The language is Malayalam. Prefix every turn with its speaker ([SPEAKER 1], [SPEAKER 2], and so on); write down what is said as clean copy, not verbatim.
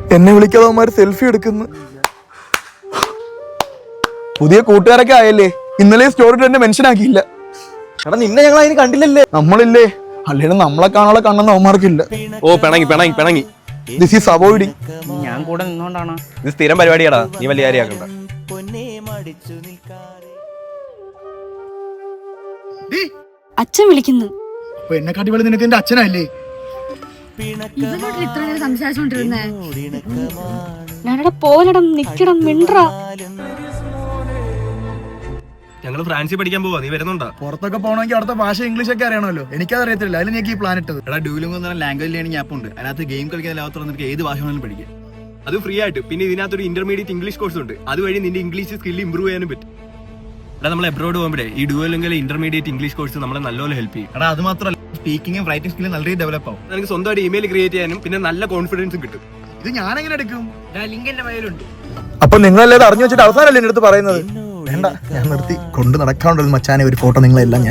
[SPEAKER 1] എന്നെ വിളിക്കാതെ അവന്മാര് സെൽഫി എടുക്കുന്നു. പുതിയ കൂട്ടുകാരൊക്കെ ആയല്ലേ, ഇന്നലെ സ്റ്റോറി എന്നെ മെൻഷൻ ആക്കിയില്ല.
[SPEAKER 2] എടാ നിന്നെ ഞങ്ങൾ അതിന് കണ്ടില്ലല്ലേ.
[SPEAKER 1] നമ്മളില്ലേ, അല്ലെങ്കിൽ നമ്മളെ കാണാനുള്ള കണ്ണെന്ന് അവന്മാർക്കില്ല.
[SPEAKER 2] ഓ പിണങ്ങി പിണങ്ങി പിണങ്ങി.
[SPEAKER 1] This is avoiding.
[SPEAKER 3] ഞാൻ കൂടെ നിന്നോണ്ടാണ്.
[SPEAKER 2] ഇത് സ്ഥിരം പരിപാടിയാടാ, നീ വലിയ കാര്യമാക്കണ്ട.
[SPEAKER 4] അച്ഛൻ വിളിക്കുന്നു.
[SPEAKER 1] എന്നെ കാട്ടി വലുത് നിനക്ക് എന്റെ അച്ഛനല്ലേ?
[SPEAKER 4] ഇവനോട് ഇത്ര നേരം സംസാരിച്ചോണ്ടിരുന്നേ. ഞാനവിടെ പോലടം നിക്കണം മിണ്ട്ര.
[SPEAKER 2] ഞങ്ങൾ ഫ്രാൻസിൽ പഠിക്കാൻ പോവാ, നീ വരുന്നുണ്ടോ?
[SPEAKER 1] പുറത്തൊക്കെ പോകണമെങ്കിൽ അവിടുത്തെ ഭാഷ ഇംഗ്ലീഷ് ഒക്കെ അറിയണമല്ലോ. എനിക്കത് അറിയത്തില്ല, അതിൽ ഞാൻ ഈ പ്ലാൻ ഇട്ടത്.
[SPEAKER 5] എടാ ഡ്യൂലിംഗോ എന്ന് പറഞ്ഞ ലാംഗ്വേജ് ലേണിംഗ് ആപ്പ് ഉണ്ട്. അതിനകത്ത് ഗെയിം കളിക്കാൻ ലാഭത്തോടെ നിനക്ക് ഏത് ഭാഷ വേണമെങ്കിലും പഠിക്കാം.
[SPEAKER 2] അത് ഫ്രീ ആയിട്ട്. പിന്നെ ഇതിനകത്തൊരു ഇന്റർമീഡിയറ്റ് ഇംഗ്ലീഷ് കോഴ്സ് ഉണ്ട്. അതുവഴി നിന്റെ ഇംഗ്ലീഷ് സ്കിൽ ഇംപ്രൂവ് ചെയ്യാനും പറ്റും. എടാ നമ്മൾ എബ്രോഡ് പോകുമ്പോഴേ ഈ ഡ്യൂലിംഗിലെ ഇന്റർമീഡിയറ്റ് ഇംഗ്ലീഷ് കോഴ്സ് നമ്മളെ നല്ലപോലെ ഹെൽപ്പ് ചെയ്യും.
[SPEAKER 5] എടാ അത് മാത്രമല്ല, സ്പീക്കിംഗും റൈറ്റിംഗ് സ്കില്ലും നല്ല രീതിയിൽ ഡെവലപ്പ് ആവും.
[SPEAKER 2] നിനക്ക് സ്വന്തമായിട്ട് ഇമെയിൽ ക്രിയേറ്റ് ചെയ്യാനും പിന്നെ നല്ല കോൺഫിഡൻസും കിട്ടും.
[SPEAKER 1] ഇത് ഞാൻ എങ്ങനെ എടുക്കും?
[SPEAKER 3] ലിങ്ക് എന്റെ കയ്യിലുണ്ട്.
[SPEAKER 1] അപ്പൊ നിങ്ങളല്ലേ അറിഞ്ഞു വെച്ചിട്ട് അവസാനല്ലേ എന്റെ അടുത്ത് പറയുന്നത്? വേണ്ട, ഞാൻ നിർത്തി. കൊണ്ട് നടക്കാണ്ടത് മച്ചാനെ ഒരു ഫോട്ടോ നിങ്ങളെല്ലാം